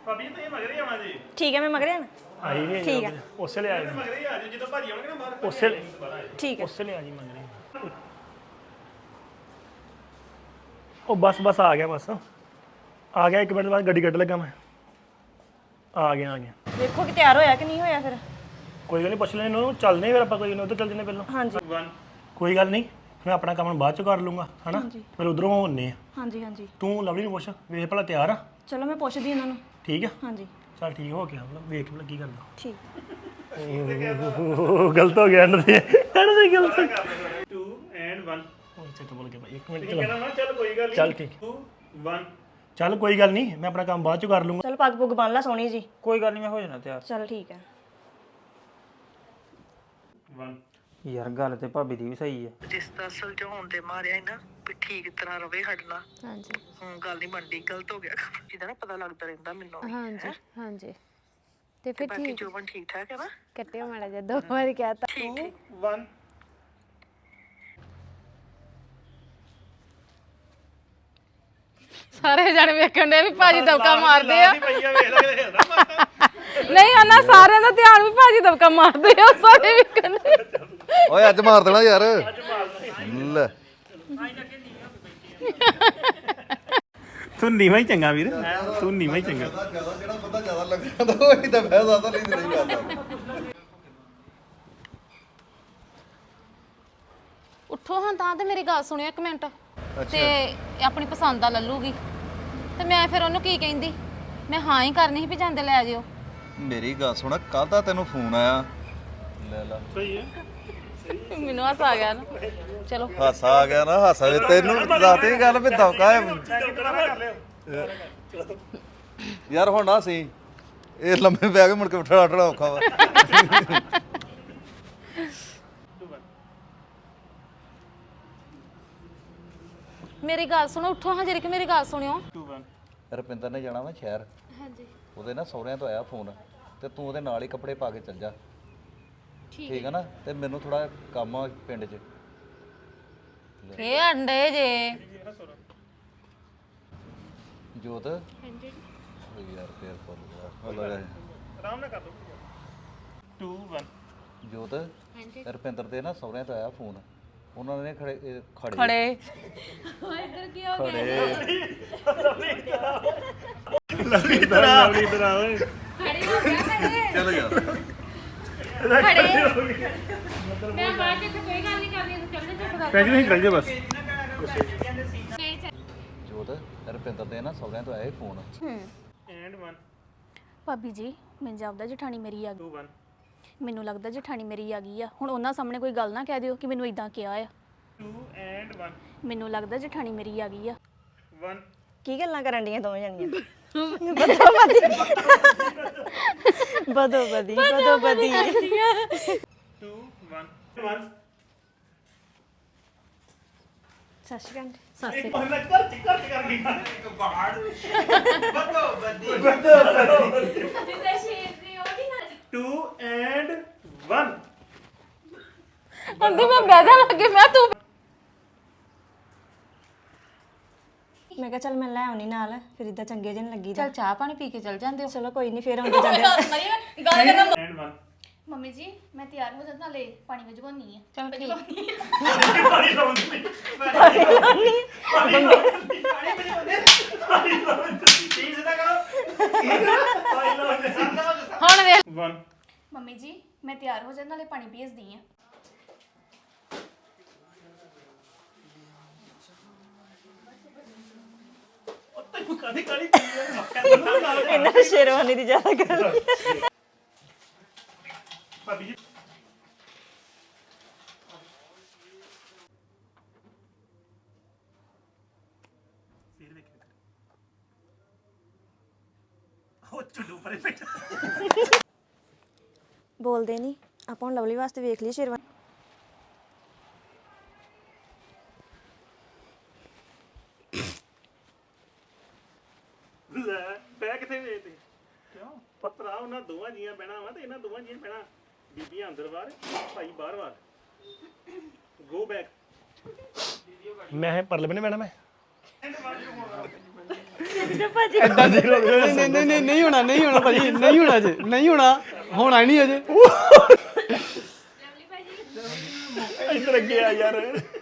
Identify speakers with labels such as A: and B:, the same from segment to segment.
A: ਭਾਬੀ ਤੁਸੀਂ ਮਗਰੇ ਆਵਾਂ ਜੀ
B: ਠੀਕ ਹੈ ਮੈਂ ਮਗਰੇ ਆਣਾ
C: ਆਈ ਨਹੀਂ
B: ਠੀਕ ਹੈ
C: ਉਸੇ ਲਈ ਆਈ
A: ਮਗਰੇ ਆ ਜੀ ਜਦੋਂ ਭਾਜੀ ਆਉਣਗੇ ਨਾ ਬਾਹਰ
C: ਉਸੇ
B: ਠੀਕ ਹੈ
C: ਉਸੇ ਲਈ ਆ ਜੀ ਮੰਗਣੀ ਉਹ ਬਸ ਆ ਗਿਆ ਆ ਗਿਆ 1 ਮਿੰਟ ਬਾਅਦ ਗੱਡੀ ਕੱਢ ਲੱਗਾ ਮੈਂ ਆ ਗਿਆ
B: ਦੇਖੋ ਕਿ ਤਿਆਰ ਹੋਇਆ ਕਿ ਨਹੀਂ ਹੋਇਆ ਫਿਰ
C: ਕੋਈ ਗੱਲ ਨਹੀਂ ਪੁੱਛ ਲੈਣੇ ਇਹਨੂੰ ਚੱਲਦੇ ਫਿਰ ਆਪਾਂ ਕੋਈ ਨਹੀਂ ਉੱਧਰ ਚੱਲ ਜੰਨੇ ਪਹਿਲਾਂ
B: ਹਾਂਜੀ
A: 1
C: ਕੋਈ ਗੱਲ ਨਹੀਂ ਮੈਂ ਆਪਣਾ ਕੰਮ ਬਾਅਦ ਚ ਕਰ ਲੂੰਗਾ ਹਨਾ ਫਿਰ ਉਧਰੋਂ ਹੋਣੇ ਆ
B: ਹਾਂਜੀ ਹਾਂਜੀ
C: ਤੂੰ ਲਵਲੀ ਨੂੰ ਪੁੱਛ ਵੇਖ ਭਲਾ ਤਿਆਰ ਆ
B: ਚਲੋ ਮੈਂ ਪੁੱਛਦੀ ਇਹਨਾਂ ਨੂੰ
C: ਠੀਕ ਆ
B: ਹਾਂਜੀ
C: ਚੱਲ ਠੀਕ ਹੋ ਗਿਆ ਵੇਖ ਭਲਾ ਕੀ ਕਰਦਾ
B: ਠੀਕ
C: ਗਲਤ ਹੋ ਗਿਆ ਇਹਨਾਂ ਦੇ ਗਲਤ
A: 2 ਐਂਡ 1
C: ਉਹ ਚਿੱਤ ਬੋਲ ਗਿਆ ਭਾਈ 1 ਮਿੰਟ
A: ਕਹਿੰਦਾ ਨਾ ਚੱਲ ਕੋਈ ਗੱਲ ਨਹੀਂ
C: ਚੱਲ ਠੀਕ
A: 2 1
C: ਚੱਲ ਕੋਈ ਗੱਲ ਨਹੀਂ ਮੈਂ ਆਪਣਾ ਕੰਮ ਬਾਅਦ ਚ ਕਰ ਲੂੰਗਾ
B: ਚਲ ਪੱਗ ਪੁੱਗ ਬੰਨ ਲਾ ਸੋਹਣੀ ਜੀ
D: ਕੋਈ ਗੱਲ ਨਹੀਂ ਮੈਂ ਹੋ ਜਾਣਾ ਤਿਆਰ
B: ਚਲ ਠੀਕ ਹੈ
A: 1
D: ਯਾਰ ਗੱਲ ਤੇ ਭਾਬੀ ਦੀ ਵੀ ਸਹੀ ਹੈ
E: ਰਿਸ਼ਤਾ ਸੁਲਝਾਉਣ ਦੇ ਮਾਰਿਆ ਨਾ ਵੀ ਠੀਕ ਤਰ੍ਹਾਂ ਰਵੇ ਹਟਣਾ
F: ਹਾਂਜੀ
E: ਗੱਲ ਨਹੀਂ ਮੰਡੀ ਗਲਤ ਹੋ ਗਿਆ ਜਿਹਦਾ ਨਾ ਪਤਾ ਲੱਗਦਾ ਰਹਿੰਦਾ ਮੈਨੂੰ ਵੀ।
F: ਹਾਂਜੀ ਹਾਂਜੀ ਤੇ ਫਿਰ
E: ਬਾਕੀ
F: ਠੀਕ
E: ਜੋਬਨ ਠੀਕ ਠਾਕ ਹੈ ਨਾ
F: ਕੱਟਿਓ ਮਾੜਾ ਜਿਹਾ 2 ਵਾਰੀ ਕਹਤਾ
A: 1
G: ਸਾਰੇ ਜਣੇ ਵੇਖਣ ਦੇ ਵੀ ਭਾਜੀ ਦਬਕਾ ਮਾਰਦੇ ਆ
A: ਭਈਆ ਵੇਖ ਲੈ ਹਿਲਦਾ
G: ਨਹੀਂ ਉਹਨਾਂ ਸਾਰਿਆਂ ਦਾ ਧਿਆਨ ਵੀ ਭਾਜੀ ਦਬਕਾ ਮਾਰਦੇ ਆ ਸਾਰੇ ਵੇਖਣ ਦੇ
H: ਓਏ ਅੱਜ ਮਾਰ ਦੇਣਾ ਯਾਰ ਲੈ
A: ਤੂੰ ਨੀਵਾਂ ਹੀ ਚੰਗਾ ਵੀਰ ਤੂੰ ਨੀਵਾਂ ਹੀ ਚੰਗਾ
H: ਜਿਹੜਾ ਬੰਦਾ ਜ਼ਿਆਦਾ ਲੱਗਦਾ ਉਹ ਹੀ ਤਾਂ ਫਾਇਦਾ ਤਾਂ ਨਹੀਂ ਕਰਦਾ
G: ਉੱਠੋ ਹਾਂ ਤਾਂ ਤੇ ਮੇਰੀ ਗੱਲ ਸੁਣਿਓ 1 ਮਿੰਟ ਤੇ ਆਪਣੀ ਪਸੰਦ ਦਾ ਲੱਲੂਗੀ ਤੇ ਮੈਂ ਫਿਰ ਉਹਨੂੰ ਕੀ ਕਹਿੰਦੀ ਮੈਂ ਹਾਂ ਹੀ ਕਰਨੀ ਸੀ ਵੀ ਜਾਂਦੇ ਲੈ ਜਿਓ
H: ਮੇਰੀ ਗੱਲ ਸੁਣ ਕੱਲ ਦਾ ਤੈਨੂੰ ਫੋਨ ਆਇਆ ਲੈ ਲਾ
G: ਮੈਨੂੰ ਹੱਸ ਆ ਗਿਆ ਨਾ ਚਲੋ
H: ਹਾਸਾ ਆ ਗਿਆ ਨਾ ਹਾਸਾ ਵੀ ਤੈਨੂੰ ਦੱਸਦੀ ਗੱਲ ਵੀ ਦੌਕਾ ਹੈ ਯਾਰ ਹੁਣ ਨਾ ਸੀ ਇਹ ਲੰਮੇ ਪੈ ਕੇ ਮੁੜ ਕੇ ਉਠਣਾ ਉਠਣਾ ਔਖਾ ਵਾ
G: ਮੇਰੀ ਗੱਲ ਸੁਣੋ ਉੱਠੋ ਹਾਂ ਜਰੀ ਮੇਰੀ ਗੱਲ ਸੁਣਿਓ
H: ਰੁਪਿੰਦਰ ਨੇ ਜਾਣਾ ਵਾ ਸ਼ਹਿਰ ਹਾਂਜੀ ਉਹਦੇ ਨਾ ਸਹੁਰਿਆਂ ਤੋਂ ਆਇਆ ਫੋਨ ਤੇ ਤੂੰ ਉਹਦੇ ਨਾਲ ਹੀ ਕੱਪੜੇ ਪਾ ਕੇ ਚੱਲ ਜਾ ਠੀਕ ਹੈ ਨਾ ਤੇ ਮੈਨੂੰ ਥੋੜਾ ਕੰਮ ਆ ਪਿੰਡ 'ਚ
G: ਇਹ ਅੰਡੇ ਜੇ
H: ਜੋਤ ਹਾਂਜੀ ਯਾਰ ਫੇਰ ਬੋਲ
A: ਆਰਾਮ ਨਾਲ ਕਰ ਦੋ 2 1
H: ਜੋਤ ਰੁਪਿੰਦਰ ਦੇ ਨਾ ਸਹੁਰਿਆਂ ਤੋਂ ਆਇਆ ਫੋਨ ਉਹਨਾਂ ਨੇ ਖੜੇ
G: ਖੜੇ
A: ਲਵਲੀ ਇਧਰ ਆ ਓਏ
H: ਚਲੋ ਯਾਰ
A: ਪੈਜ ਨਹੀਂ ਚੱਲ ਜਾ ਬਸ
H: ਜੋਤ ਰੁਪਿੰਦਰ ਦੇ ਨਾ ਸਹੁਰਿਆਂ ਤੋਂ ਆਇਆ ਫੋਨ
A: ਐਂਡ 1
B: ਭਾਬੀ ਜੀ ਮੈਨੂੰ ਜਾਪਦਾ ਜਠਾਣੀ ਮੇਰੀ ਆ
A: 2 1
B: ਮੈਨੂੰ ਲੱਗਦਾ ਜਠਾਣੀ ਮੇਰੀ ਆ ਗਈ ਆ ਹੁਣ ਉਹਨਾਂ ਸਾਹਮਣੇ ਕੋਈ ਗੱਲ ਨਾ ਕਹਿ ਦਿਓ ਕਿ ਮੈਨੂੰ ਇਦਾਂ ਕਿਹਾ ਆ
A: 2 ਐਂਡ 1
B: ਮੈਨੂੰ ਲੱਗਦਾ ਜਠਾਣੀ ਮੇਰੀ ਆ ਗਈ ਆ
A: 1
B: ਕੀ ਗੱਲਾਂ ਕਰਨ ਡੀਆਂ ਦੋਵੇਂ ਜਣੀਆਂ ਬਦੋ ਬਦੀ
A: 2 1 1
B: ਸਤਿ ਸ਼੍ਰੀ ਅਕਾਲ
G: ਸਾਸੇ
A: ਕਰ ਗਈ ਬਾੜ ਬੱਦੋ ਬੱਦੀ 2 ਐਂਡ 1
G: ਅੰਦੀ ਮੈਂ ਬੈਠਾ ਲੱਗੇ ਮੈਂ ਤੂੰ
B: ਮੈਂ ਕਿਹਾ ਚੱਲ ਮੈਂ ਲੈ ਆਉਣੀ ਨਾਲ ਫਿਰ ਇਦਾਂ ਚੰਗੇ ਜਿਹੇ ਨੀ ਲੱਗੀ
G: ਚੱਲ ਚਾਹ ਪਾਣੀ ਪੀ ਕੇ ਚੱਲ ਜਾਂਦੇ ਹੋ
B: ਚਲੋ ਕੋਈ ਨਹੀਂ ਫਿਰ ਆਉਂਦੇ ਜਾਂਦੇ
A: ਐਂਡ 1
I: ਮੰਮੀ ਜੀ ਮੈਂ ਤਿਆਰ ਹੋ ਜਾਂਦਾ ਨਾਲੇ ਪਾਣੀ ਵਿੱਚ ਘੋਨੀ ਆ
G: ਚਲ ਠੀਕ
A: ਪਾਣੀ ਲਾਉਂਦੀ ਠੀਕ ਸਿੱਧਾ ਕਰੋ
G: ਹੁਣ ਵੇਖ
A: 1
I: ਮੰਮੀ ਜੀ ਮੈਂ ਤਿਆਰ ਹੋ ਜਾਂਦਾ ਨਾਲੇ ਪਾਣੀ ਭੇਜਦੀ ਆ
A: ਕਾਦੀ ਕਾਲੀ
B: ਇਹਨਾਂ ਨੇ ਸ਼ੇਰਵਾਨੀ ਦੀ ਜ਼ਿਆਦਾ ਗੱਲ
A: ਭਾਬੀ ਜੀ ਫਿਰ ਵੇਖ ਉਹ ਚੁੱਲੂ ਪਰੇ ਬੈਠਾ
B: ਬੋਲਦੇ ਨਹੀਂ ਆਪਾਂ ਹੁਣ ਲਵਲੀ ਵਾਸਤੇ ਵੇਖ ਲਈ ਸ਼ੇਰਵਾਨੀ
A: ਲੈ ਬੈ ਕਿੱਥੇ ਵੇਚਦੇ ਕਿਉਂ ਪਤਰਾ ਉਹਨਾਂ ਦੋਵਾਂ ਜੀਆਂ ਬਹਿਣਾ ਵਾ ਤੇ ਇਹਨਾਂ ਦੋਵਾਂ ਜੀਆਂ ਬਹਿਣਾ ਬੀਬੀਆਂ ਅੰਦਰ ਬਾਹਰ ਭਾਈ ਬਾਹਰ ਬਾਹਰ ਗੋ ਬੈਕ
C: ਮੈਂ ਪਰਲੇ ਬਨੇ ਬਹਿਣਾ ਮੈਂ
J: ਐਡਾ ਜ਼ੀਰੋ ਨਹੀਂ ਨਹੀਂ ਨਹੀਂ ਨਹੀਂ ਹੋਣਾ ਨਹੀਂ ਹੋਣਾ ਭਾਜੀ ਨਹੀਂ ਹੋਣਾ ਅਜੇ ਨਹੀਂ ਹੋਣਾ ਹੋਣਾ ਹੀ ਨਹੀਂ ਅਜੇ
C: ਇੱਧਰ ਅੱਗੇ ਆ ਯਾਰ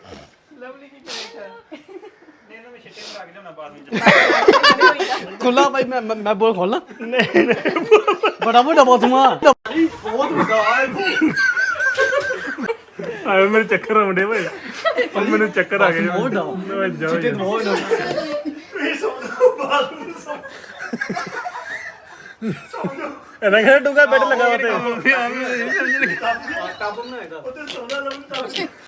J: ਖੁੱਲਾ ਭਾਈ ਮੈਂ ਬੋਲ ਖੋਲਣਾ ਨਹੀਂ ਬੜਾ ਵੱਡਾ ਬੋਤਮਾ ਬਹੁਤ ਵੱਡਾ
C: ਆਏ ਮੇਰੇ ਚੱਕਰ ਆਉਂਦੇ ਭਾਈ ਹੁਣ ਮੈਨੂੰ ਚੱਕਰ ਆ ਗਏ
J: ਬਹੁਤ
C: ਓਏ ਜਾਓ
J: ਚਿੱਟੇ ਬਹੁਤ
C: ਇਹਨਾਂ ਕਹਿੰਦਾ ਡੂੰਗਾ ਬੈੱਡ ਲਗਾ ਉੱਤੇ
J: ਟੱਬ ਬਣਾਏਗਾ
C: ਉੱਤੇ ਸੌਦਾ ਲੱਭਦਾ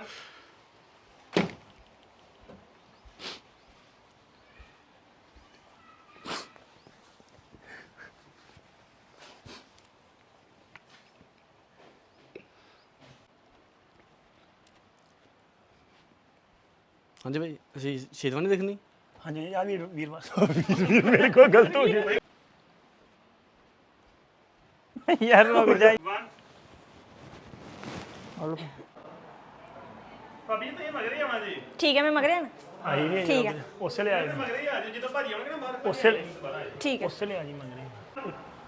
J: ਹਾਂਜੀ ਭਾਈ ਅਸੀਂ ਸ਼ੇਰਵਾਨੀ ਦੇਖਣੀ
C: ਹਾਂਜੀ ਆ ਵੀਰਵਾਰ ਮੇਰੇ ਕੋਲ ਗਲਤ ਹੋ ਗਈ ਯਾਰ ਰੁਕ ਜਾ
A: ਭਾਬੀ ਤੇ ਮਗਰ ਹੀ ਆਉਣਾ ਜੀ
B: ਠੀਕ ਹੈ ਮੈਂ ਮਗਰ ਆਣਾ
C: ਆਈ ਨਹੀਂ ਠੀਕ ਹੈ ਉਸੇ ਲਈ ਆਏ
A: ਮਗਰ ਹੀ ਆ ਜਾਓ ਜਦੋਂ ਭਾਜੀ ਆਉਣਗੇ ਨਾ ਬਾਹਰ
C: ਉਸੇ ਲਈ
B: ਠੀਕ ਹੈ
C: ਉਸੇ ਲਈ ਆ ਜੀ ਮੰਗਰੇ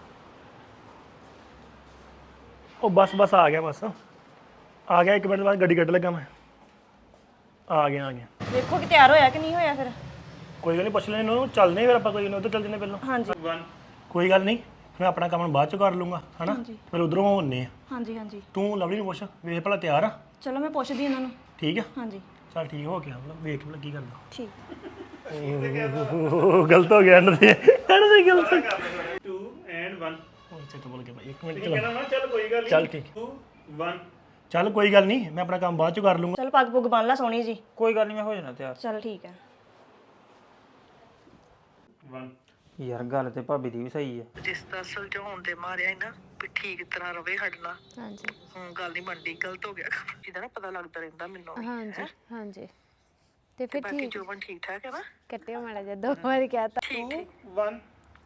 C: ਉਹ ਬਸ ਆ ਗਿਆ ਆ ਗਿਆ 1 ਮਿੰਟ ਬਾਅਦ ਗੱਡੀ ਕੱਢ ਲੱਗਾ ਮੈਂ ਆ ਗਿਆ
B: ਵੇਖੋ ਕਿ ਤਿਆਰ ਹੋਇਆ ਕਿ ਨਹੀਂ ਹੋਇਆ ਫਿਰ
C: ਕੋਈ ਗੱਲ ਨਹੀਂ ਪੁੱਛ ਲੈਣੇ ਇਹਨੂੰ ਚੱਲਦੇ ਫਿਰ ਆਪਾਂ ਕੋਈ ਨਹੀਂ ਉੱਧਰ ਚੱਲ ਜੰਨੇ ਪਹਿਲਾਂ
B: ਹਾਂਜੀ
C: ਕੋਈ ਗੱਲ ਨਹੀਂ ਮੈਂ ਆਪਣਾ ਕੰਮ ਬਾਅਦ ਚ ਕਰ ਲੂੰਗਾ ਹਨਾ ਫਿਰ ਉਧਰੋਂ ਹੋਣੇ ਆ
B: ਹਾਂਜੀ ਹਾਂਜੀ
C: ਤੂੰ ਲਵਲੀ ਨੂੰ ਪੁੱਛ ਵੇਖ ਭਲਾ ਤਿਆਰ ਆ
B: ਚਲੋ ਮੈਂ ਪੁੱਛਦੀ ਇਹਨਾਂ ਨੂੰ
C: ਠੀਕ ਆ
B: ਹਾਂਜੀ
C: ਚੱਲ ਠੀਕ ਹੋ ਗਿਆ ਵੇਖ ਭਲਾ ਕੀ ਕਰਦਾ
B: ਠੀਕ
C: ਗਲਤ ਹੋ ਗਿਆ ਇਹਨਾਂ ਦੇ ਗਲਤ
A: 2 ਐਂਡ 1
C: ਉਹ ਚੱਕ ਬੋਲ ਕੇ ਭਾਈ 1 ਮਿੰਟ
A: ਕਹਿੰਦਾ ਨਾ ਚੱਲ ਕੋਈ ਗੱਲ ਨਹੀਂ
C: ਚੱਲ ਠੀਕ
A: 2 1
C: ਚੱਲ ਕੋਈ ਗੱਲ ਨਹੀਂ ਮੈਂ ਆਪਣਾ ਕੰਮ ਬਾਅਦ ਚ ਕਰ ਲੂੰਗਾ
B: ਚਲ ਪੱਗ ਪੁੱਗ ਬੰਨ ਲਾ ਸੋਹਣੀ ਜੀ
D: ਕੋਈ ਗੱਲ ਨਹੀਂ ਮੈਂ ਹੋ ਜਾਣਾ ਤਿਆਰ
B: ਚਲ ਠੀਕ ਹੈ
A: 1
D: ਯਾਰ ਗੱਲ ਤੇ ਭਾਬੀ ਦੀ ਵੀ ਸਹੀ ਆ
E: ਜਿਸ ਦਾ ਸੁਲਝਾਉਣ ਦੇ ਮਾਰਿਆ ਸੀ ਨਾ ਵੀ ਠੀਕ ਤਰ੍ਹਾਂ ਰਵੇ ਸਾਡੇ ਨਾਲ
F: ਹਾਂਜੀ
E: ਹੁਣ ਗੱਲ ਨਹੀਂ ਬਣਦੀ ਗਲਤ ਹੋ ਗਿਆ ਇਹਦਾ ਨਾ ਪਤਾ ਲੱਗਦਾ ਰਹਿੰਦਾ ਮੈਨੂੰ ਵੀ।
F: ਹਾਂਜੀ ਹਾਂਜੀ ਤੇ ਫਿਰ
E: ਬਾਕੀ
F: ਠੀਕ
E: ਜੋਬਨ ਠੀਕ ਠਾਕ ਹੈ ਨਾ
F: ਕੱਟਿਓ ਮਾੜਾ ਜਿਹਾ 2 ਵਾਰੀ ਕਹਿਤਾ
E: ਠੀਕ ਠੀਕ
A: 1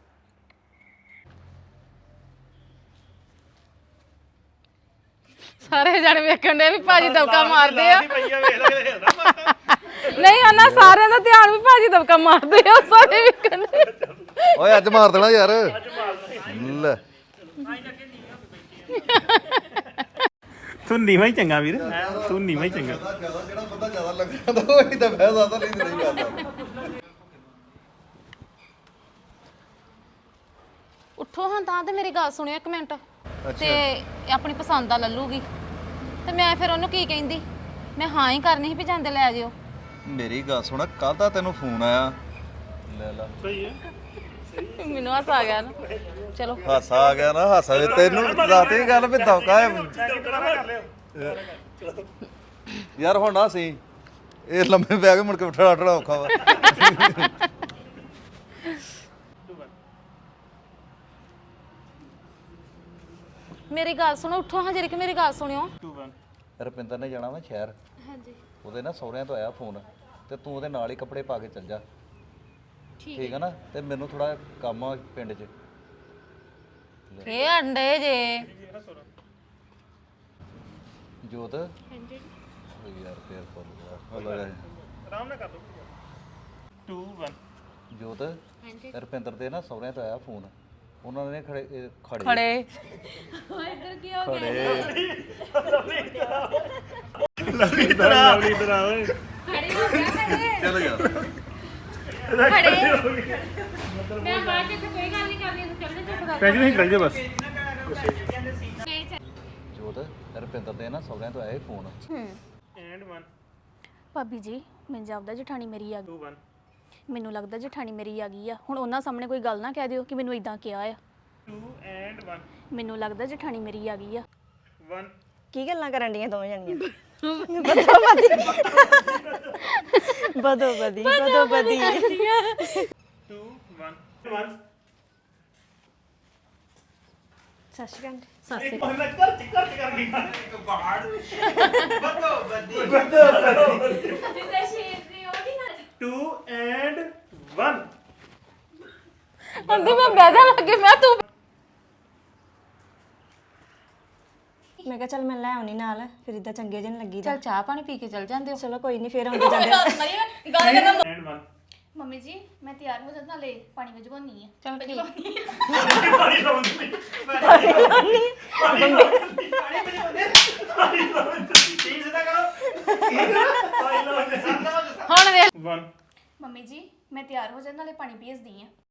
G: ਸਾਰੇ ਜਣੇ ਵੇਖਣ ਦੇ ਵੀ ਭਾਜੀ ਦਬਕਾ ਮਾਰਦੇ ਆ
A: ਭਈਆ ਵੇਖ ਲੈ ਹਿਲਦਾ
G: ਨਹੀਂ ਉਹਨਾਂ ਸਾਰਿਆਂ ਦਾ ਧਿਆਨ ਵੀ ਭਾਜੀ ਦਬਕਾ ਮਾਰਦੇ ਆ ਸਾਰੇ ਵੇਖਣ ਦੇ
H: ਓਏ ਅੱਜ ਮਾਰ ਦੇਣਾ ਯਾਰ ਲੈ
A: ਤੂੰ ਨੀਵਾਂ ਹੀ ਚੰਗਾ ਵੀਰ ਤੂੰ ਨੀਵਾਂ ਹੀ ਚੰਗਾ
H: ਜਿਹੜਾ ਬੰਦਾ ਜ਼ਿਆਦਾ ਲੱਗਦਾ ਉਹ ਹੀ ਤਾਂ ਫੈਸ ਆਦਾ ਨਹੀਂ ਕਰਦਾ
G: ਉੱਠੋ ਹਾਂ ਤਾਂ ਤੇ ਮੇਰੀ ਗੱਲ ਸੁਣਿਓ 1 ਮਿੰਟ ਤੇ ਆਪਣੀ ਪਸੰਦ ਦਾ ਲੱਲੂਗੀ ਤੇ ਮੈਂ ਫਿਰ ਉਹਨੂੰ ਕੀ ਕਹਿੰਦੀ ਮੈਂ ਹਾਂ ਹੀ ਕਰਨੀ ਸੀ ਵੀ ਜਾਂਦੇ ਲੈ ਜਿਓ
H: ਮੇਰੀ ਗੱਲ ਸੁਣ ਕੱਲ ਦਾ ਤੈਨੂੰ ਫੋਨ ਆਇਆ ਲੈ ਲਾ
A: ਸਹੀ ਹੈ
G: ਮੈਨੂੰ ਹੱਸ ਆ ਗਿਆ ਨਾ ਚਲੋ
H: ਹਾਸਾ ਆ ਗਿਆ ਨਾ ਹਾਸਾ ਵੀ ਤੈਨੂੰ ਦੱਸਦੀ ਗੱਲ ਵੀ ਦੌਕਾ ਹੈ ਯਾਰ ਹੁਣ ਨਾ ਸੀ ਇਹ ਲੰਮੇ ਪੈ ਕੇ ਮੁੜ ਕੇ ਉੱਠਣਾ ਔਖਾ ਵਾ
G: ਮੇਰੀ ਗੱਲ ਸੁਣੋ ਉੱਠੋ ਹਾਂ ਜਿਹੜੀ ਕਿ ਮੇਰੀ ਗੱਲ ਸੁਣਿਓ
A: 2 1
H: ਰੁਪਿੰਦਰ ਨੇ ਜਾਣਾ ਵਾ ਸ਼ਹਿਰ ਹਾਂਜੀ ਉਹਦੇ ਨਾ ਸਹੁਰਿਆਂ ਤੋਂ ਆਇਆ ਫੋਨ ਤੇ ਤੂੰ ਉਹਦੇ ਨਾਲ ਹੀ ਕੱਪੜੇ ਪਾ ਕੇ ਚੱਲ ਜਾ ਠੀਕ ਹੈ ਨਾ ਤੇ ਮੈਨੂੰ ਥੋੜਾ ਕੰਮ ਆ ਪਿੰਡ 'ਚ
G: ਇਹ ਅੰਡੇ ਜੇ
H: ਜੋਤ ਹਾਂਜੀ ਯਾਰ ਫੇਰ ਫੁੱਲ ਗਿਆ
A: ਆਰਾਮ ਨਾਲ ਕਰ ਦੋ 2 1
H: ਜੋਤ ਰੁਪਿੰਦਰ ਦੇ ਨਾ ਸਹੁਰਿਆਂ ਤੋਂ ਆਇਆ ਫੋਨ ਉਹਨਾਂ ਨੇ ਖੜੇ
G: ਖੜੇ
A: ਲਵਲੀ ਇਧਰ ਆ ਓਏ
H: ਚਲੋ ਯਾਰ
A: ਪੈਜ ਨਹੀਂ ਚੱਲ ਜਾ ਬਸ
H: ਜੋਤ ਰੁਪਿੰਦਰ ਦੇ ਨਾ ਸਹੁਰਿਆਂ ਤੋਂ ਆਇਆ ਫੋਨ
A: ਐਂਡ 1
B: ਭਾਬੀ ਜੀ ਮੈਨੂੰ ਜਾਪਦਾ ਜਠਾਣੀ ਮੇਰੀ ਆ
A: 2 1
B: ਮੈਨੂੰ ਲੱਗਦਾ ਜਠਾਣੀ ਮੇਰੀ ਆ ਗਈ ਆ ਹੁਣ ਉਹਨਾਂ ਸਾਹਮਣੇ ਕੋਈ ਗੱਲ ਨਾ ਕਹਿ ਦਿਓ ਕਿ ਮੈਨੂੰ ਇਦਾਂ ਕਿਹਾ ਆ
A: 2 ਐਂਡ 1
B: ਮੈਨੂੰ ਲੱਗਦਾ ਜਠਾਣੀ ਮੇਰੀ ਆ ਗਈ ਆ
A: 1
B: ਕੀ ਗੱਲਾਂ ਕਰਨ ਡੀਆਂ ਦੋਵੇਂ ਜਣੀਆਂ ਬਦੋ ਬਦੀ
A: 2 1 1
B: ਸਤਿ ਸ਼੍ਰੀ ਅਕਾਲ
A: ਇੱਕ ਮਹੀਨਾ ਕਰ ਕਰ ਗਈ ਇੱਕ ਬਾੜ ਬੱਦੋ ਬੱਦੀ 2 ਐਂਡ 1
G: ਅੰਦੀ ਮੈਂ ਬੈਠਾ ਲੱਗੇ ਮੈਂ ਤੂੰ
B: ਮੈਂ ਕਿਹਾ ਚੱਲ ਮੈਂ ਲੈ ਆਉਣੀ ਨਾਲ ਫਿਰ ਇਦਾਂ ਚੰਗੇ ਜਿਹੇ ਨੀ ਲੱਗੀ
G: ਚਲ ਚਾਹ ਪਾਣੀ ਪੀ ਕੇ ਚਲ ਜਾਂਦੇ ਹੋ
B: ਚਲੋ ਕੋਈ ਨਹੀਂ ਫਿਰ ਆਉਂਦੇ ਜਾਂਦੇ
A: ਐਂਡ 1
I: ਮੰਮੀ ਜੀ ਮੈਂ ਤਿਆਰ ਹੋ ਜਾਂਦਾ ਨਾਲੇ ਪਾਣੀ ਵਜਵਾਉਣੀ ਆ
G: ਚਲ ਠੀਕ
A: ਪਾਣੀ ਲਾਉਂਦੀ ਠੀਕ ਸਿੱਧਾ ਕਰੋ ਪਾਣੀ ਲਾਉਂਦੇ
G: ਹੁਣ ਵੇਖ
A: 1
I: ਮੰਮੀ ਜੀ ਮੈਂ ਤਿਆਰ ਹੋ ਜਾਂਦਾ ਨਾਲੇ ਪਾਣੀ ਭੇਜਦੀ ਆ